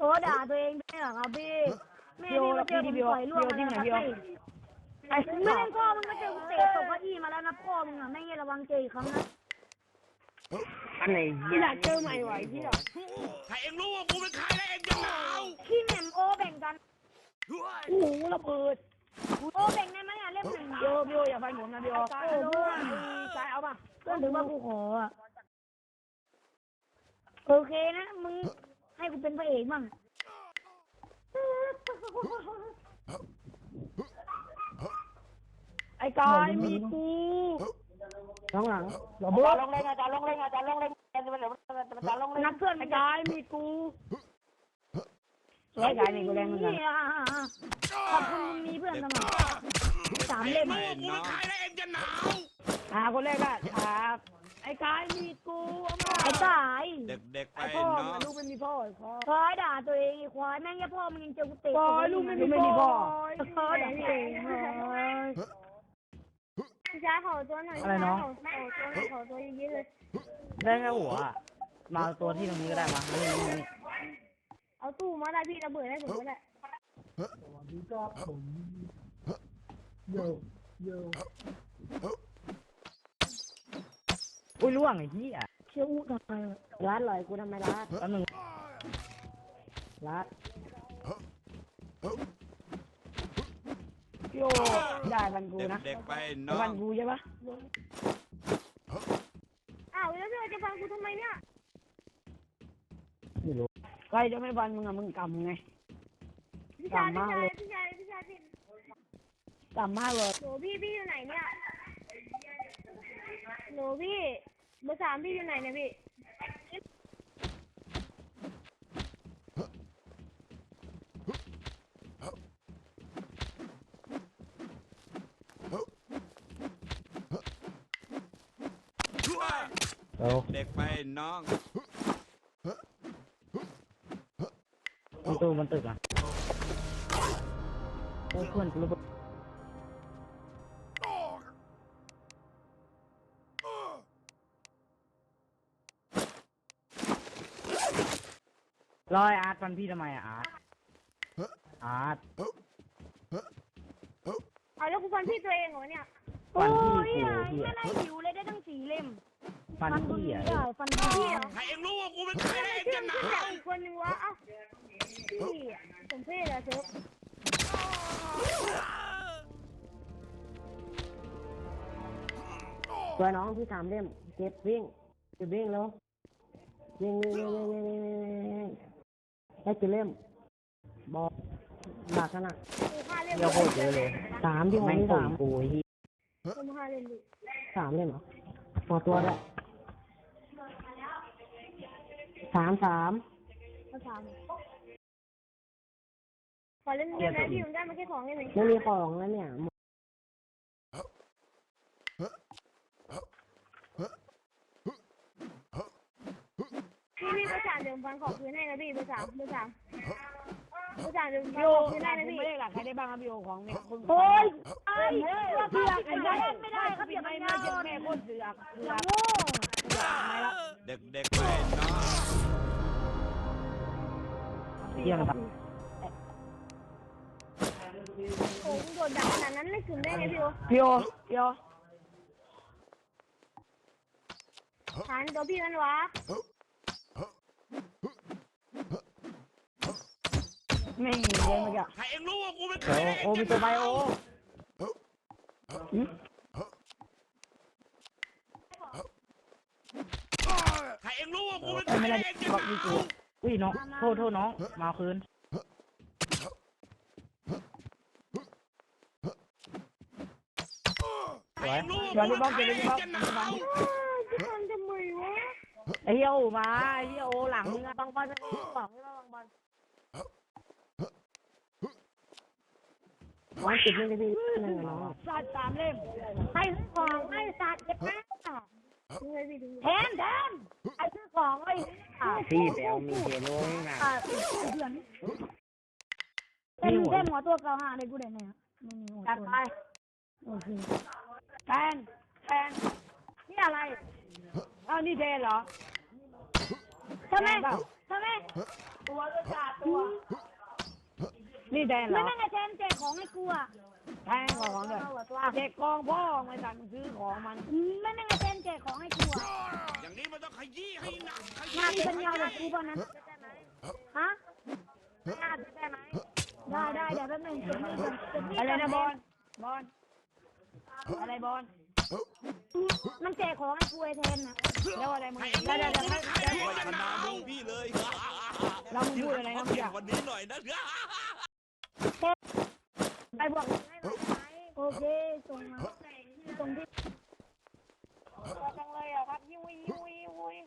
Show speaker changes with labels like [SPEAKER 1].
[SPEAKER 1] อ้ด่าตัวเองด้วยเหรอครับพี่แม่พี่มาเจอผมต่อยร่วงมาแล้วครับพี่ไอ้ไม่เล่นพ่อมึงมาเจอกูเตะตกเก้าอี้มาแล้วนะพ่อมึงอ่ะแม่งระวังเจออีกครั้งนะ
[SPEAKER 2] อันไหนอยากเจอใหม่ไหวพี่หรอ
[SPEAKER 3] ถ้าเองรู้ว่ากูเป็นใครแล้วเองจะหนาว
[SPEAKER 1] ขี้แหม่มโอแบ่งกัน
[SPEAKER 2] โอ้โหระเบิด
[SPEAKER 1] โอแบ่งได้ไหมอ่ะเล่มหนึ่ง
[SPEAKER 2] พี่โออย่าฟันผมนะพี่โอโอ้โหกายเอาป่ะ
[SPEAKER 1] เพื่อนถือว่ากูขออ่ะโอเคนะมึงให้กูเป็นพระเอกบ้าง
[SPEAKER 2] ไอ้กายมีกูน้องหลังระเบิดลงเลยอาจารย์ลงเลยอาจารย์ลงเลยอาจารย์ลงเลยนักเพื่อนไอ้กายมีกูไอ้กายมีกูแรงเหมือนกัน
[SPEAKER 1] ขอบคุณมึงมีเพื่อนสมัคร3 เล่ม
[SPEAKER 3] กูเป็นใครแล้วเองจะหนาว
[SPEAKER 2] คนแรกอะไอ้กายมีกู
[SPEAKER 1] ไอ้กาย
[SPEAKER 3] เด็กๆไป
[SPEAKER 2] พ่อ
[SPEAKER 3] เนาะ
[SPEAKER 2] ลูกไม่มีพ่อ
[SPEAKER 1] คอยด่าตัวเองไอ้ควายแม่งแค่พ่อมึงยังเจอกูเตะ
[SPEAKER 2] ลูกไม่มีพ่อ
[SPEAKER 1] คอยด่าตัวเองพี่ชายขอตัวหน่อย
[SPEAKER 2] อะไรน้อง
[SPEAKER 1] ขอตัวเยอะเลย
[SPEAKER 2] ได้แค่หัวมาตัวที่ตรงนี้ก็ได้มา
[SPEAKER 1] เอาตู้มาได้พี่ระเบิดได้ผมก็ได้
[SPEAKER 2] สวัสดีครับผมโยอุ้ยล่วงไอ้ที่อ่ะ
[SPEAKER 1] เชื่ออู้ทำไม
[SPEAKER 2] ร้านเลยกูทำไมร้านแป๊บนึงร้านโยได้บันกูนะ
[SPEAKER 3] เด็กๆไปเนาะ
[SPEAKER 2] บันกูใช่ปะ
[SPEAKER 1] อ้าวแล้วเธอจะฟังกูทำไมเนี่ย
[SPEAKER 2] ไม่รู้ใครจะไม่บันมึงอะมึงกำไงกำมากเลยกำมากเลย
[SPEAKER 1] โหพี่อยู่ไหนเนี่ยโหพี่เบอร์ 3พี่อยู่ไหนเนี่ยพี่
[SPEAKER 3] เด็กไปน้อง
[SPEAKER 2] มันตึกอ่ะเพื่อนกูรู้รอยอาร์ตฟันพี่ทำไมอะอาร์ต
[SPEAKER 1] เอาแล้วกูฟันพี่ตัวเองเหรอเนี่ยโอ้ยไม่ได้หิวเลยได้ตั้ง4 เล่ม
[SPEAKER 2] ฟันพี่อ่ะ
[SPEAKER 1] ฟันพี่เหรอ
[SPEAKER 3] ถ้าเองรู้ว่ากูเป็นใครแล้วเองจะหนาว
[SPEAKER 1] คนหนึ่งวะอ้าวพี่สมเพศอะเซิร์ฟ
[SPEAKER 2] ตัวน้องที่3 เล่มเก็บวิ่งแล้ววิ่งได้กี่เล่มบอกหนักขนาดเดี๋ยวโคตรเยอะเลย3ที่ผมมี3กูที่
[SPEAKER 1] 5 เล่มดิ
[SPEAKER 2] 3 เล่มเหรอพอตัวด้วย3
[SPEAKER 1] ขอเล่นเกมนะพี่ผมได้มาแค่2 เล่มเอง
[SPEAKER 2] ไม่มีของแล้วเนี่ย
[SPEAKER 1] พี่เบอร์ 3เดี๋ยวฟันขอคืนให้นะพี่เบอร์ 3เดี๋ยวฟันขอคืนให้นะพี่
[SPEAKER 2] ไม่ได้หลักใครได้บ้างครับพี่โอของเนี่ย
[SPEAKER 1] โอ้ยไอ้เสือกไม่ได้ครับอย่าไป
[SPEAKER 2] ไม่เจ็บแม่คนเสือก
[SPEAKER 1] โง่
[SPEAKER 3] เด็กๆไปเนาะ
[SPEAKER 2] เยี่ยมครับ
[SPEAKER 1] โอ้โหโดนด่าขนาดนั้นไม่คืนได้ไง
[SPEAKER 2] พี่โอ
[SPEAKER 1] หันตัวพี่มันวะ
[SPEAKER 2] ไม่มีเลยเมื่อกี้
[SPEAKER 3] ถ้าเองรู้ว่ากูเป็นใครแล้วเอง
[SPEAKER 2] มีตัวไบโอ
[SPEAKER 3] ถ้าเองรู้ว่ากูเป็นใครแล้วเองจะหนาว
[SPEAKER 2] อุ้ยน้องโทษน้องมาคืน
[SPEAKER 3] ถ้าเองรู้ว่ากูเป็นใครแล้วเองจะหนาว
[SPEAKER 1] จะทำไมวะ
[SPEAKER 2] ไอ้เหี้ยโอมาไอ้เหี้ยโอหลังมึงอะต้องบอลบอกให้บอลน้องติดเล่นได้พี่น้องสัตว์3 เล่ม
[SPEAKER 1] ให้ของให้สัตว์เจ็บแม่แทนไอ้ซื้อของไอ้
[SPEAKER 2] พี่แบลมีเฮโร่นะ
[SPEAKER 1] เพื่อนเต็มหัวตัว95เลยกูได้ไหมไม่มีหัวตัวโอเค
[SPEAKER 2] แทน
[SPEAKER 1] นี่อะไร
[SPEAKER 2] นี่เทนเหรอ
[SPEAKER 1] ทำไม
[SPEAKER 2] ตัวก็ขาดตัว
[SPEAKER 4] นี่แดนเหร
[SPEAKER 1] ไม่
[SPEAKER 4] อ
[SPEAKER 1] นั่งไอ้แทนแจกของให้กูอ่ะ
[SPEAKER 4] แทงของเลยเด็กกองพ่อไม่สั่งซื้อของมัน
[SPEAKER 1] ไม่นั่งไอ้แทนแจกของให้กูอ่ะ
[SPEAKER 3] อย่างนี้มันต้องขยี้ให้หนักข
[SPEAKER 1] งาน
[SPEAKER 3] ยี้
[SPEAKER 1] ปัญญาแบบกูป่ะนะฮะ
[SPEAKER 2] งานได้ไหม
[SPEAKER 1] ได้เดี๋ยวแป๊บนึงเก็บนี่ก่อนเก็บนี่
[SPEAKER 4] อะไร
[SPEAKER 1] ก่อน
[SPEAKER 4] นะบอลอะไรบอล
[SPEAKER 1] มันแจกของให้กูไอ้แทนนะ
[SPEAKER 4] แล้วอะไรมึง
[SPEAKER 3] ให้เอง
[SPEAKER 4] ได้
[SPEAKER 3] รู้
[SPEAKER 4] ได้
[SPEAKER 3] ว่า
[SPEAKER 4] ได้
[SPEAKER 3] กู
[SPEAKER 4] ได้
[SPEAKER 3] ไม่ใครไม่ชนะมึงพี่เลย
[SPEAKER 4] เรามึงพูดอะไรนะมึงอยาก
[SPEAKER 3] วันนี้หน่อยนะ
[SPEAKER 1] ไปบอกให้หน่อยไหมโอเคส่งมาส่งที่
[SPEAKER 2] จังเลยอ่ะครับยิ้ว